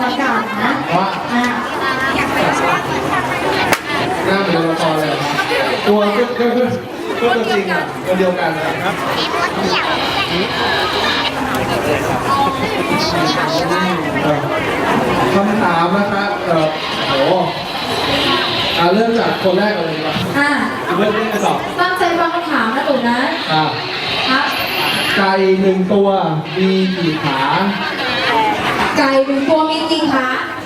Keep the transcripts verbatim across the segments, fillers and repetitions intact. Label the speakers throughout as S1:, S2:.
S1: อากาศนะ
S2: ว่า
S1: อ่ะ
S2: หน้าเป็นละครเลยตัวก็ก็ก็ตัวจริงอ่ะตัวเดียวกันนะครับคำถามนะครับเออโอ้อ่าเริ่มจากคนแรกเลยดีกว่า
S1: อ่ะ
S2: เริ่มเล่นกันต่อ
S1: ตั้งใจฟังคำถามนะหนูนะ
S2: อ่า
S1: ครับ
S2: ไก่หนึ่งตัวมีกี่ขา
S1: ไก่หนึ่งตัวมีกี่ขา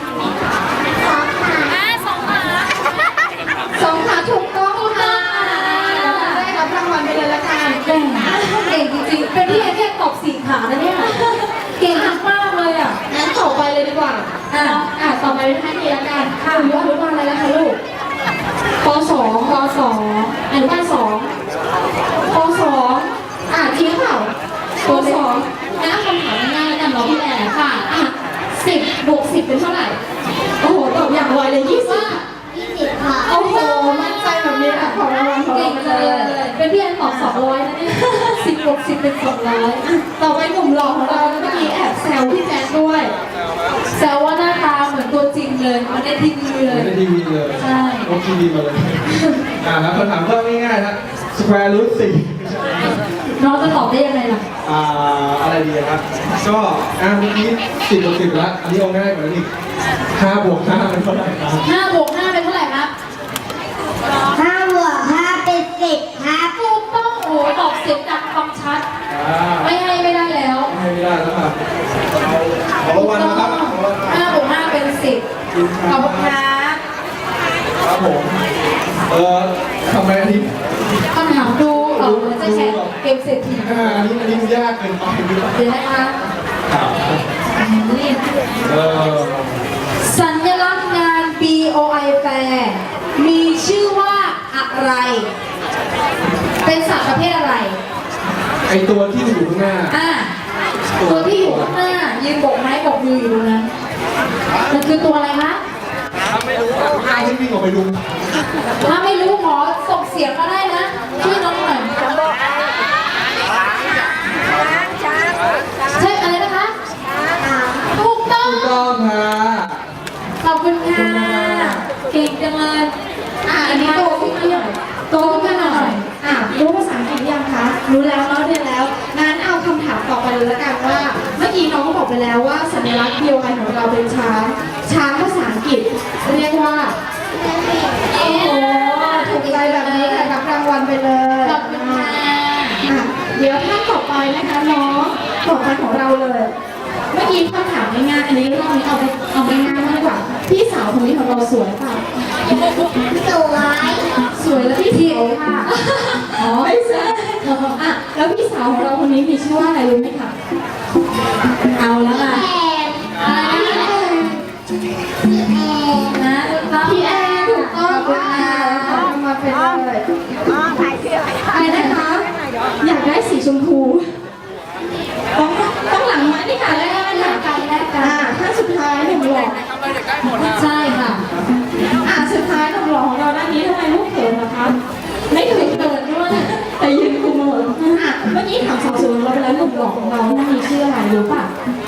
S1: สองขาถูกต้องค่ะได้รับรางวัลไปเลยละกันเก่งเก่งจริงๆเป็นพี่แค่ตอบสี่ขานะเนี่ยเก่งมากเลยอ่ะงั้นต่อไปเลยดีกว่าอ่ะอ่ะต่อไปเป็นท่านนี้ละกันค่ะหนูอนุบาลอะไรนะคะลูกป.สองป.สองอนุบาลสองป.สองอ่ะทิ้งเปล่าป.สองนะคำถามง่ายๆแล้วกันเนาะพี่แอร์ค่ะอ่ะสิบบวกสิบเป็นเท่าไหร่โอ้โหตอบอย่างไวเลยยี่สิบยี่สิบค่ะโอ้โหมั่นใจแบบนี้อ่ะขอรางวัลขอรางวัลเลยเป็นพี่แอนตอบสองร้อยนะเนี่ยสิบบวกสิบเป็นสองร้อยต่อไปหนุ่มหล่อของเราเมื่อกี้แอบแซวพี่แจ๊คด้วยแซวว่าหน้าตาเหมือนตัวจริงเลยมันในทีวีเลย
S2: ในทีวีเลย
S1: ใช่
S2: โอ้ทีวีมาเลยอ่าแล้วคำถามก็ง่ายๆนะสแควร์รูทสี่
S1: น้องจะตอบได้ยังไงล่ะ
S2: อ่าอะไรดีครับก็อ่าเมื่อกี้สิบบวกสิบแล้วอันนี้เอาง่ายกว่านี้ห้าบวกห้าเป็นเท่าไหร่ครับ
S1: ห้าบวกห้าเป็นเท่าไหร่ครับ
S3: ห้าบวกห้าเป็นสิบครับ
S1: ถูกต้องโอ้ตอบเสียงดังฟังชัดไม่ให้ไม่ได้แล้ว
S2: ไม่ได้แล้วครับขอรางวัลนะครับ
S1: ห้าบวกห้าเป็นสิบขอบคุณครับ
S2: ครับผมเออทำไมอันนี้
S1: คำถามดูเออจะแข่งเกมเศรษฐี
S2: อ่าอันนี้อันนี้มันยากเกินไป
S1: เดี๋ยวนะคะนี่
S2: เออ
S1: สัญลักษณ์งาน บี โอ ไอ Fair มีชื่อว่าอะไรเป็นสัตว์ประเภทอะไร
S2: ไอตัวที่อยู่ข้างหน้า
S1: อ่าตัวที่อยู่ข้างหน้ายืนโบกไม้โบกมืออยู่ตรงนั้นมันคือตัวอะไรคะ
S2: ถ้าไม่รู้ถ้าไม่วิ่งออกไปดู
S1: ถ้าไม่รู้ขอส่งเสียงก็ได้นะชื่อน้องหน่อยใช่อะไรนะคะถูกต้อง
S2: ถูกต้องค่ะ
S1: ขอบคุณค่ะเก่งจังเลยอ่ะอันนี้โตขึ้นมาหน่อยโตขึ้นมาหน่อยอ่ะรู้ภาษาอังกฤษยังคะรู้แล้วเนาะเรียนแล้วงั้นเอาคำถามต่อไปเลยละกันว่าเมื่อกี้น้องก็บอกไปแล้วว่าสัญลักษณ์ บี โอ ไอ ของเราเป็นช้างช้างภาษาอังกฤษเรียกว่าโอ้โหถูกใจแบบนี้ค่ะรับรางวัลไปเลยขอบคุณค่ะอ่ะเดี๋ยวท่านต่อไปนะคะน้องต่อไปของเราเลยเมื่อกี้คำถามง่ายๆอันนี้รอบนี้เอาไปเอาไปง่ายมากกว่าพี่สาวคนนี้ของเราสวยป่ะ
S3: สวย
S1: สวยแล้วพี่เทียวค่ะอ๋อไม่ใช่อ่ะแล้วพี่สาวของเราคนนี้มีชื่อว่าอะไรรู้ไหมคะเอาแล้วค่ะนะพี่แอนถูกต้องค่ะขอมาเป็นเลยอะไรนะคะอยากได้สีชมพูต้องต้องหลังไม้นี่ค่ะแรกกันแรกกันแรกกันถ้าสุดท้ายหนุ่มหล่อใช่ค่ะอ่ะสุดท้ายหนุ่มหล่อของเราด้านนี้ทำไมลูกเขินนะคะไม่เคยเขินด้วยแต่ยืนคุมหมดอ่ะเมื่อกี้ถามสาวสวยเราไปแล้วหนุ่มหล่อของเราท่านนี้ชื่ออะไรรู้ป่ะ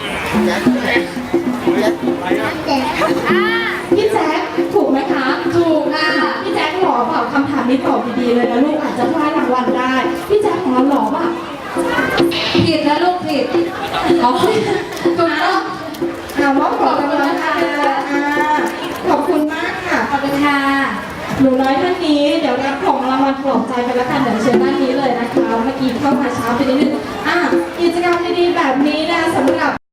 S1: พี่แจ๊คถูกไหมคะถูกค่ะพี่แจ๊คหล่อเปล่าคำถามนี้ตอบดีๆเลยนะลูกอาจจะพลาดรางวัลได้พี่แจ๊คของเราหล่อป่ะผิดนะลูกผิดอ๋อถูกต้องอ่ามอบของรางวัลค่ะขอบคุณมากค่ะขอบคุณค่ะหนูน้อยท่านนี้เดี๋ยวรับของรางวัลปลอบใจไปแล้วกันเดี๋ยวเชิญด้านนี้เลยนะคะเมื่อกี้เข้ามาช้าไปนิดนึงอ่ะกิจกรรมดีๆแบบนี้